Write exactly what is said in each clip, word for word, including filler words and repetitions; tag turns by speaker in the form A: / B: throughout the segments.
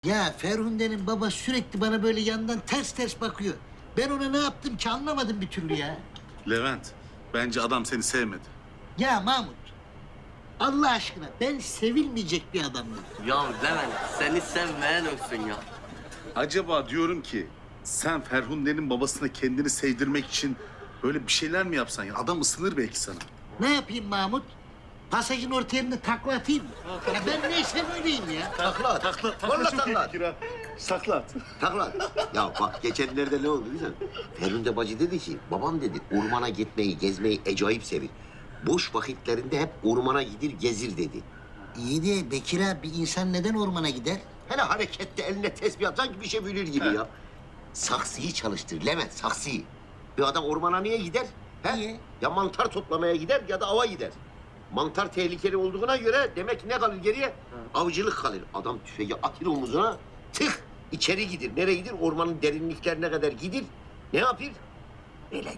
A: Ya Ferhunde'nin baba sürekli bana böyle yandan ters ters bakıyor. Ben ona ne yaptım ki anlamadım bir türlü ya.
B: Levent, bence adam seni sevmedi.
A: Ya Mahmut, Allah aşkına ben sevilmeyecek bir adam mıyım?
C: Ya Levent seni sevmeyen ölsün ya.
B: Acaba diyorum ki sen Ferhunde'nin babasına kendini sevdirmek için böyle bir şeyler mi yapsan ya? Adam ısınır belki sana.
A: Ne yapayım Mahmut? Pasajın orta yerine takla atayım mı? Ya ben neyse böyleyim ya.
D: Takla at.
B: Takla,
D: Vallahi takla at.
B: Sakla at.
D: Takla at. Ya bak geçenlerde ne oldu biliyor musun? Ferhunde bacı dedi ki, babam dedi ormana gitmeyi, gezmeyi acayip sevir. Boş vakitlerinde hep ormana gidir, gezir dedi.
A: İyi de Bekir abi bir insan neden ormana gider?
D: Hele harekette eline tesbih at, sanki bir şey bilir gibi ya. Saksıyı çalıştır Levent, saksıyı. Bir adam ormana niye gider? He?
A: Niye?
D: Ya mantar toplamaya gider ya da ava gider. Mantar tehlikeli olduğuna göre demek ki ne kalır geriye? Avcılık kalır. Adam tüfeği atır omuzuna, tık içeri gidir. Nereye gidir? Ormanın derinliklerine kadar gidir. Ne yapır? Böyle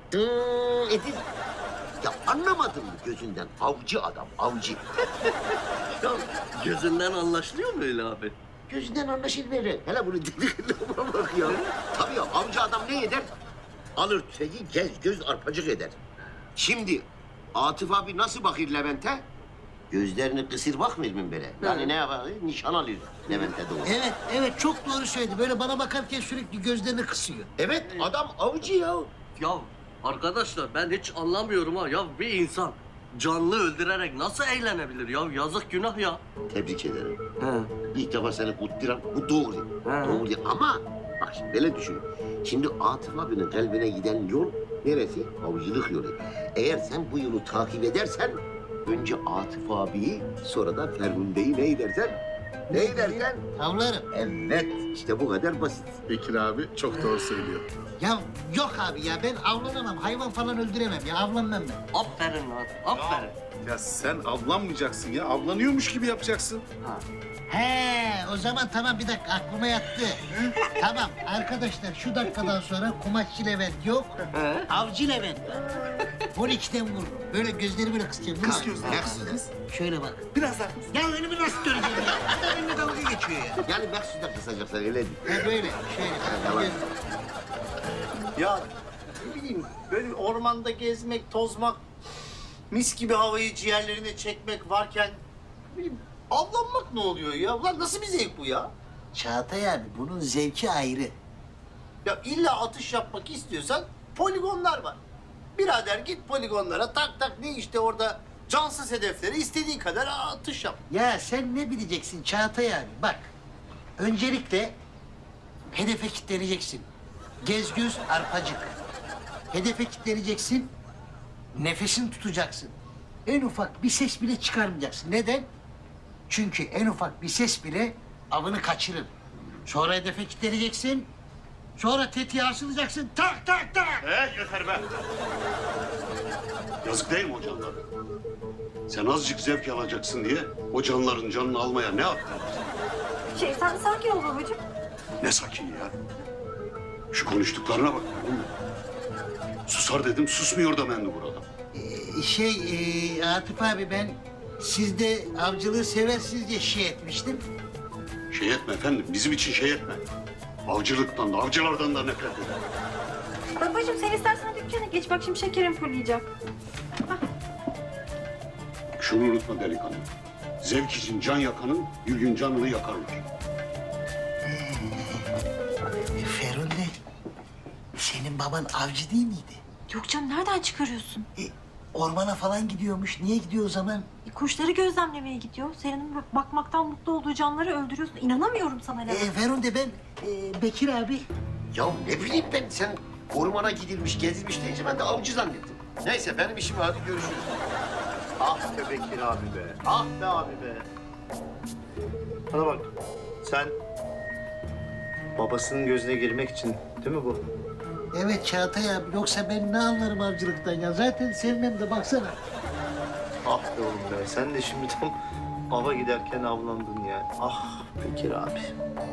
D: dıı edir. Ya anlamadın mı gözünden? Avcı adam, avcı.
C: Ya gözünden anlaşılıyor mu öyle abi?
D: Gözünden anlaşılır böyle. Hele bunu dediğine bak ya. Tabii ya, avcı adam ne eder? Alır tüfeği, gez göz arpacık eder. Şimdi Atıf abi nasıl bakır Levent'e? Gözlerini kısır bakmıyor mu böyle? Yani ne yapar? Nişan alır Levent'e doğru.
A: Evet, evet çok doğru söyledi. Böyle bana bakarken sürekli gözlerini kısıyor.
D: Evet, adam avcı ya.
C: Ya arkadaşlar ben hiç anlamıyorum ha. Ya bir insan canlı öldürerek nasıl eğlenebilir ya? Yazık günah ya.
D: Tebrik ederim.
C: He.
D: İlk defa seni kutluyorum. Bu doğru.
C: He.
D: Doğru değil. Ama bak şimdi böyle düşün. Şimdi Atıf abinin kalbine giden yol neresi? Avcılık yolu. Eğer sen bu yolu takip edersen önce Atıf abiyi sonra da Ferhunde'yi ne edersen? Ne edersen?
A: Avlarım.
D: Evet. işte bu kadar basit.
B: Bekir abi çok doğru söylüyor.
A: Ya yok abi ya ben avlanamam. Hayvan falan öldüremem ya. Avlanmam ben.
C: Aferin lan. Aferin.
B: Ya sen avlanmayacaksın ya. Avlanıyormuş gibi yapacaksın.
C: Ha.
A: He o zaman tamam bir dakika aklıma yattı. Tamam arkadaşlar şu dakikadan sonra kumaşçı Levent yok.
C: He.
A: Avcı Levent var. on ikiden vururum. Böyle gözleri böyle kısacağım.
D: Kız
A: Böyle.
D: gözler.
A: Şöyle bak.
B: Biraz daha.
A: Ya önümü nasıl göreceğim ya? Adam benimle dalga geçiyor ya.
D: Yani Maksuda kısacaklar öyle değil.
A: Ha böyle şöyle.
D: Tamam.
A: Göz-
E: Ya ne bileyim böyle ormanda gezmek, tozmak, mis gibi havayı ciğerlerine çekmek varken ne bileyim avlanmak ne oluyor ya? Ulan nasıl bir zevk bu ya?
A: Çağatay abi bunun zevki ayrı.
E: Ya illa atış yapmak istiyorsan poligonlar var. Birader git poligonlara tak tak ne işte orada cansız hedeflere istediğin kadar atış yap.
A: Ya sen ne bileceksin Çağatay abi? Bak, öncelikle hedefe kilitleneceksin. Gez göz arpacık. Hedefe kilitleneceksin, nefesini tutacaksın. En ufak bir ses bile çıkarmayacaksın. Neden? Çünkü en ufak bir ses bile avını kaçırır. Sonra hedefe kilitleneceksin, sonra tetiğe asılacaksın, tak tak tak.
F: He yeter be. Yazık değil mi o canlara? Sen azıcık zevk alacaksın diye o canların canını almaya ne yaptın?
G: Şey sen sakin ol babacığım.
F: Ne sakin ya. Şu konuştuklarına bak. Değil mi? Susar dedim susmuyor da ben de burada.
A: Ee, şey, e, Atıf abi ben siz de avcılığı seversiniz diye şey etmiştim.
F: Şey etme efendim bizim için şey etme. Avcılıktan da avcılardan da nefret eder.
G: Babacığım sen istersen dükkana geç. Bak şimdi şekerim fırlayacak.
F: Şunu unutma delikanlı. Zevk için can yakanın bir gün canını yakarlar.
A: E, Ferhunde, senin baban avcı değil miydi?
G: Yok canım nereden çıkarıyorsun?
A: E, ormana falan gidiyormuş. Niye gidiyor o zaman?
G: E, kuşları gözlemlemeye gidiyor. Senin bak- bakmaktan mutlu olduğu canları öldürüyorsun. İnanamıyorum sana
A: E,
G: Levent.
A: Ferhunde ben e, Bekir abi.
D: Ya ne bileyim ben sen ormana gidilmiş, gezilmiş deyince ben de avcı zannettim. Neyse benim işim var, hadi görüşürüz.
E: Ah be Bekir abi be. Ah be abi be. Bana bak sen babasının gözüne girmek için değil mi bu?
A: Evet Çağatay abi. Yoksa ben ne anlarım avcılıktan ya? Zaten sevmem de baksana.
E: Ah be oğlum be. Sen de şimdi tam ava giderken avlandın ya. Ah Bekir abi.